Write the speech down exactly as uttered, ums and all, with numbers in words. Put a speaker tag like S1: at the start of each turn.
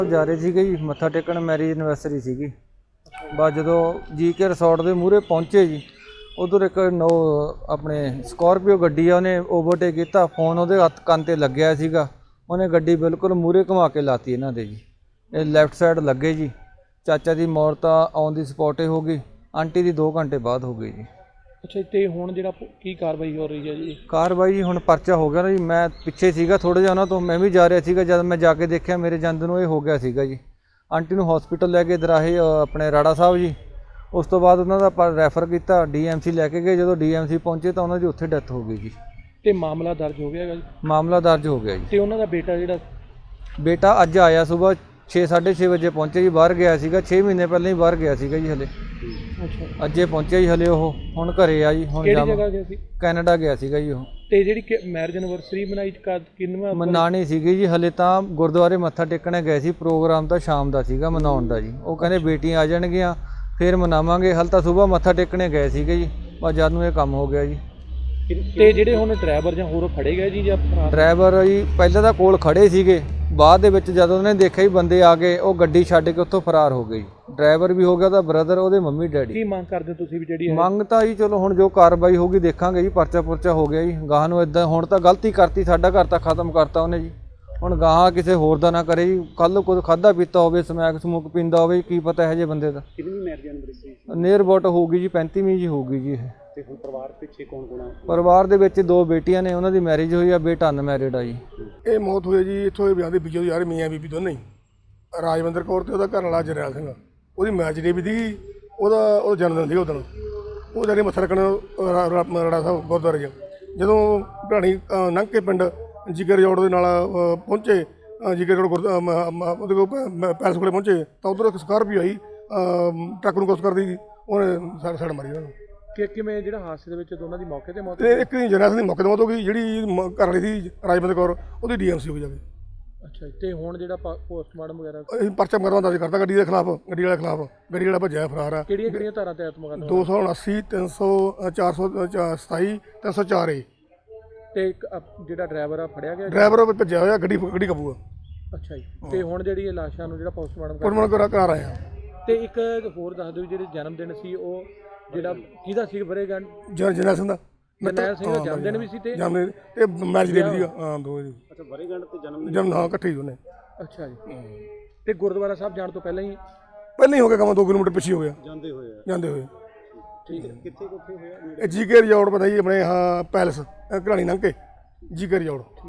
S1: ਜਾ ਰਹੇ ਸੀਗੇ ਜੀ ਮੱਥਾ ਟੇਕਣ, ਮੈਰਿਜ ਐਨਵਰਸਰੀ ਸੀਗੀ। ਬਸ ਜਦੋਂ ਜੀ ਕੇ ਰਿਸੋਰਟ ਦੇ ਮੂਹਰੇ ਪਹੁੰਚੇ ਜੀ, ਉਧਰ ਇੱਕ ਨੋ ਆਪਣੇ ਸਕੋਰਪੀਓ ਗੱਡੀ ਆ, ਉਹਨੇ ਓਵਰਟੇਕ ਕੀਤਾ। ਫੋਨ ਉਹਦੇ ਹੱਥ ਕੰਨ 'ਤੇ ਲੱਗਿਆ ਸੀਗਾ, ਉਹਨੇ ਗੱਡੀ ਬਿਲਕੁਲ ਮੂਹਰੇ ਘੁਮਾ ਕੇ ਲਾਤੀ ਇਹਨਾਂ ਦੇ ਜੀ। ਇਹ ਲੈਫਟ ਸਾਈਡ ਲੱਗੇ ਜੀ। ਚਾਚਾ ਦੀ ਮੌਤ ਤਾਂ ਔਨ ਦੀ ਸਪੌਟ ਹੀ ਹੋ ਗਈ, ਆਂਟੀ ਦੀ ਦੋ ਘੰਟੇ ਬਾਅਦ ਹੋ ਗਈ ਜੀ।
S2: ਅੱਛਾ, ਤੇ ਹੁਣ ਜਿਹੜਾ ਕੀ ਕਾਰਵਾਈ ਹੋ ਰਹੀ ਹੈ ਜੀ?
S1: ਕਾਰਵਾਈ ਜੀ ਹੁਣ ਪਰਚਾ ਹੋ ਗਿਆ ਨਾ ਜੀ। ਮੈਂ ਪਿੱਛੇ ਸੀਗਾ ਥੋੜ੍ਹਾ ਜਿਹਾ ਉਹਨਾਂ ਤੋਂ, ਮੈਂ ਵੀ ਜਾ ਰਿਹਾ ਸੀਗਾ। ਜਦ ਮੈਂ ਜਾ ਕੇ ਦੇਖਿਆ ਮੇਰੇ ਜਾਂਦੇ ਨੂੰ ਇਹ ਹੋ ਗਿਆ ਸੀਗਾ ਜੀ। ਆਂਟੀ ਨੂੰ ਹੌਸਪੀਟਲ ਲੈ ਕੇ ਦਰਾਹੇ ਆਪਣੇ ਰਾੜਾ ਸਾਹਿਬ ਜੀ। ਉਸ ਤੋਂ ਬਾਅਦ ਉਹਨਾਂ ਦਾ ਪਰ ਰੈਫਰ ਕੀਤਾ, ਡੀ ਐਮ ਸੀ ਲੈ ਕੇ ਗਏ। ਜਦੋਂ ਡੀ ਐਮ ਸੀ ਪਹੁੰਚੇ ਤਾਂ ਉਹਨਾਂ ਦੀ ਉੱਥੇ ਡੈਥ ਹੋ ਗਈ ਜੀ।
S2: ਤੇ ਮਾਮਲਾ ਦਰਜ ਹੋ ਗਿਆ ਹੈਗਾ ਜੀ?
S1: ਮਾਮਲਾ ਦਰਜ ਹੋ ਗਿਆ ਜੀ।
S2: ਤੇ ਉਹਨਾਂ ਦਾ ਬੇਟਾ ਜਿਹੜਾ
S1: ਬੇਟਾ ਅੱਜ ਆਇਆ ਸੁਬਾਹ ਛੇ ਸਾਢੇ ਛੇ ਵਜੇ ਪਹੁੰਚੇ ਜੀ। ਬਾਹਰ ਗਿਆ ਸੀਗਾ, ਛੇ ਮਹੀਨੇ ਪਹਿਲਾਂ ਹੀ ਬਾਹਰ ਗਿਆ ਸੀਗਾ ਜੀ। ਹਲੇ
S2: ਅੱਛਾ,
S1: ਅੱਜੇ ਪਹੁੰਚਿਆ ਜੀ। ਹਲੇ ਉਹ ਹੁਣ ਘਰੇ ਆ ਜੀ। ਹੁਣ
S2: ਕਿਹੜੀ ਜਗ੍ਹਾ ਗਿਆ ਸੀ?
S1: ਕੈਨੇਡਾ ਗਿਆ ਸੀਗਾ ਜੀ ਉਹ।
S2: ਤੇ ਜਿਹੜੀ ਮੈਰਿਜ ਐਨਵਰਸਰੀ ਮਨਾਈ ਕਿੰਨਵਾਂ
S1: ਮਨਾਣੀ ਸੀਗੀ ਜੀ। ਹਲੇ ਤਾਂ ਗੁਰਦੁਆਰੇ ਮੱਥਾ ਟੇਕਣੇ ਗਏ ਸੀ। ਪ੍ਰੋਗਰਾਮ ਤਾਂ ਸ਼ਾਮ ਦਾ ਸੀਗਾ ਮਨਾਉਣ ਦਾ ਜੀ। ਉਹ ਕਹਿੰਦੇ ਬੇਟੀਆਂ ਆ ਜਾਣਗੀਆਂ ਫਿਰ ਮਨਾਵਾਂਗੇ। ਹਲ ਤਾਂ ਸੁਬਾਹ ਮੱਥਾ ਟੇਕਣੇ ਗਏ ਸੀਗੇ ਜੀ, ਬਸ ਜਦ ਨੂੰ ਇਹ ਕੰਮ ਹੋ ਗਿਆ ਜੀ।
S2: ਤੇ ਜਿਹੜੇ ਹੁਣ ਡਰਾਈਵਰ ਜਾਂ ਹੋਰ ਫੜੇ ਗਏ ਜੀ ਜਾਂ
S1: ਡਰਾਈਵਰ ਜੀ ਪਹਿਲਾਂ ਤਾਂ ਕੋਲ ਖੜੇ ਸੀਗੇ, ਬਾਅਦ ਦੇ ਵਿੱਚ ਜਦੋਂ ਉਹਨੇ ਦੇਖਿਆ ਹੀ ਬੰਦੇ ਆ ਗਏ, ਉਹ ਗੱਡੀ ਛੱਡ ਕੇ ਉੱਥੋਂ ਫਰਾਰ ਹੋ ਗਈ। ਡਰਾਈਵਰ ਵੀ ਹੋ ਗਿਆ, ਉਹਦਾ ਬ੍ਰਦਰ, ਉਹਦੇ ਮੰਮੀ ਡੈਡੀ।
S2: ਕੀ ਮੰਗ ਕਰਦੇ ਤੁਸੀਂ ਵੀ ਜਿਹੜੀ
S1: ਮੰਗ ਤਾਂ ਜੀ ਚਲੋ ਹੁਣ ਜੋ ਕਾਰਵਾਈ ਹੋਊਗੀ ਦੇਖਾਂਗੇ ਜੀ। ਪਰਚਾ ਪੁਰਚਾ ਹੋ ਗਿਆ ਜੀ। ਗਾਹਾਂ ਨੂੰ ਇਦਾਂ ਹੁਣ ਤਾਂ ਗਲਤੀ ਕਰਤੀ, ਸਾਡਾ ਘਰ ਤਾਂ ਖਤਮ ਕਰਤਾ ਉਹਨੇ ਜੀ। ਹੁਣ ਗਾਹਾਂ ਕਿਸੇ ਹੋਰ ਦਾ ਨਾ ਕਰੇ ਜੀ। ਕੱਲ੍ਹ ਕੁਝ ਖਾਧਾ ਪੀਤਾ ਹੋਵੇ, ਸਮੈਕ ਸਮੂਕ ਪੀਂਦਾ ਹੋਵੇ, ਕੀ ਪਤਾ ਇਹੋ ਜਿਹੇ ਬੰਦੇ ਦਾ।
S2: ਕਿੰਨੀ ਮੈਰਿਜ ਐਨਵਰਸਰੀ?
S1: ਨੀਅਰ ਅਬਾਊਟ ਹੋਊਗੀ ਜੀ ਪੈਂਤੀਵੀਂ ਜੀ ਹੋਊਗੀ ਜੀ ਇਹ।
S2: ਤੇ ਹੁਣ ਪਰਿਵਾਰ ਪਿੱਛੇ ਕੌਣ ਕੌਣ ਆ?
S1: ਪਰਿਵਾਰ ਦੇ ਵਿੱਚ ਦੋ ਬੇਟੀਆਂ ਨੇ, ਉਹਨਾਂ ਦੀ ਮੈਰਿਜ ਹੋਈ ਆ, ਬੇਟਾ ਅਨਮੈਰਿਡ ਆ ਜੀ।
S3: ਇਹ ਮੌਤ ਹੋਈ ਜੀ ਇੱਥੋਂ ਇਹ ਵਿਆਹ ਦੇ ਬੀਜੋ ਯਾਰ ਮੀਆਂ ਬੀਬੀ ਦੋਨੇ ਹੀ, ਰਾਜਵਿੰਦਰ ਕੌਰ ਤੇ ਉਹਦਾ ਘਰ ਵਾਲਾ ਜਰਨੈਲ ਸਿੰਘ। ਉਹਦੀ ਮੈਰਿਜ ਡੇ ਵੀ ਦੀ, ਉਹਦਾ ਉਹ ਜਨਮ ਦਿਨ ਸੀ ਉਹ ਦਿਨ। ਉਹ ਜਾਨੀ ਮੱਥਾ ਟੇਕਣ ਰਾੜਾ ਸਾਹਿਬ ਗੁਰਦੁਆਰੇ 'ਚ ਜਦੋਂ ਢਾਣੀ ਲੰਘ ਕੇ ਪਿੰਡ ਜਿਗਰ ਜੋੜ ਦੇ ਨਾਲ ਪਹੁੰਚੇ, ਜਿਗਰ ਜੋੜ ਗੁਰ ਉਹਦੇ ਕੋਲ ਪੈਲਸ ਕੋਲੇ ਪਹੁੰਚੇ ਤਾਂ ਉੱਧਰ ਇੱਕ ਸਕਾਰਪੀਓ ਆਈ, ਟਰੱਕ ਨੂੰ ਕੁਛ ਕਰਦੀ, ਉਹਨੇ ਸੜ ਸੜ ਮਾਰੀ ਉਹਨਾਂ ਨੂੰ।
S2: ਕਿ ਕਿਵੇਂ ਜਿਹੜਾ ਹਾਦਸੇ ਦੇ ਵਿੱਚ ਦੋਨਾਂ ਦੀ ਮੌਕੇ ਤੇ ਮੌਤ?
S3: ਤੇ ਇੱਕ ਜਰਨੈਲ ਸਿੰਘ ਦੀ ਮੌਕੇ ਤੇ ਮੌਤ ਹੋ ਗਈ। ਜਿਹੜੀ ਘਰ ਵਾਲੀ ਸੀ ਰਾਜਵਿੰਦਰ ਕੌਰ, ਉਹਦੀ ਡੀ ਐਮ ਸੀ ਹੋ ਗਈ ਜਾ ਕੇ।
S2: ਅੱਛਾ, ਤੇ ਹੁਣ ਜਿਹੜਾ ਪੋਸਟਮਾਰਟਮ ਵਗੈਰਾ
S3: ਅਸੀਂ ਪਰਚਾ ਮੁਕੱਦਮਾ ਦਰਜ ਕਰਤਾ ਗੱਡੀ ਦੇ ਖਿਲਾਫ, ਗੱਡੀ ਵਾਲੇ ਖਿਲਾਫ। ਗੱਡੀ ਵਾਲਾ ਭੱਜਿਆ ਫਰਾਰ ਆ।
S2: ਕਿਹੜੀਆਂ ਕਿਹੜੀਆਂ ਧਾਰਾਂ ਤਹਿਤ ਮੁਕੱਦਮਾ?
S3: ਦੋ ਸੌ ਉਨਾਸੀ, ਤਿੰਨ ਸੌ ਚਾਰ ਸੌ ਸਤਾਈ, ਤਿੰਨ ਸੌ ਚਾਰ ਏ।
S2: ਤੇ ਇੱਕ ਜਿਹੜਾ ਡਰਾਈਵਰ ਆ ਫੜਿਆ ਗਿਆ?
S3: ਡਰਾਈਵਰ ਭੱਜਿਆ ਹੋਇਆ, ਗੱਡੀ ਗੱਡੀ ਕਾਬੂ ਆ।
S2: ਅੱਛਾ ਜੀ। ਤੇ ਹੁਣ ਜਿਹੜੀ ਇਹ ਲਾਸ਼ਾਂ ਨੂੰ ਜਿਹੜਾ ਪੋਸਟਮਾਰਟਮ
S3: ਪੋਸਟਮਾਰਟਮ ਕਰਾ ਕਰਾ ਰਹੇ ਆ।
S2: ਤੇ ਇੱਕ ਹੋਰ ਦੱਸ ਦਿਓ, ਜਿਹੜੇ ਜਨਮ ਦਿਨ ਸੀ ਉਹ ਜਿਹੜਾ ਕਿਹਦਾ ਸੀ? ਵਰੇਗੰਢ
S3: ਜਰਨੈਲ ਸਿੰਘ ਦਾ।
S2: ਜਰਨੈਲ ਸਿੰਘ ਦਾ ਜਨਮ ਦਿਨ ਵੀ ਸੀ ਤੇ
S3: ਜਨਮ ਤੇ ਮੈਰਿਜ ਡੇ ਵੀ ਸੀਗਾ। ਹਾਂ ਦੋ ਜੀ।
S2: ਅੱਛਾ, ਵਰੇਗੰਢ ਤੇ ਜਨਮ ਦਿਨ
S3: ਜਨਮ ਹਾਂ ਇਕੱਠੇ ਹੀ ਦੋਨੇ।
S2: ਅੱਛਾ ਜੀ। ਤੇ ਗੁਰਦੁਆਰਾ ਸਾਹਿਬ ਜਾਣ ਤੋਂ ਪਹਿਲਾਂ ਹੀ
S3: ਪਹਿਲਾਂ ਹੀ ਹੋ ਗਿਆ ਕੰਮ, ਦੋ ਕਿਲੋਮੀਟਰ ਪਿੱਛੇ ਹੋ ਗਿਆ
S2: ਜਾਂਦੇ ਹੋਏ ਆ?
S3: ਜਾਂਦੇ ਹੋਏ।
S2: ਠੀਕ ਹੈ। ਕਿੱਥੇ ਕਿੱਥੇ ਹੋਇਆ?
S3: ਇਹ ਜੀ ਕੇ ਰਿਜ਼ੋਰਟ ਪਤਾ ਜੀ ਆਪਣੇ ਹਾਂ ਪੈਲਸ ਘਰਾਣੀ ਲੰਘ ਕੇ ਜੀ ਕੇ ਰਿਜ਼ੋਰਟ।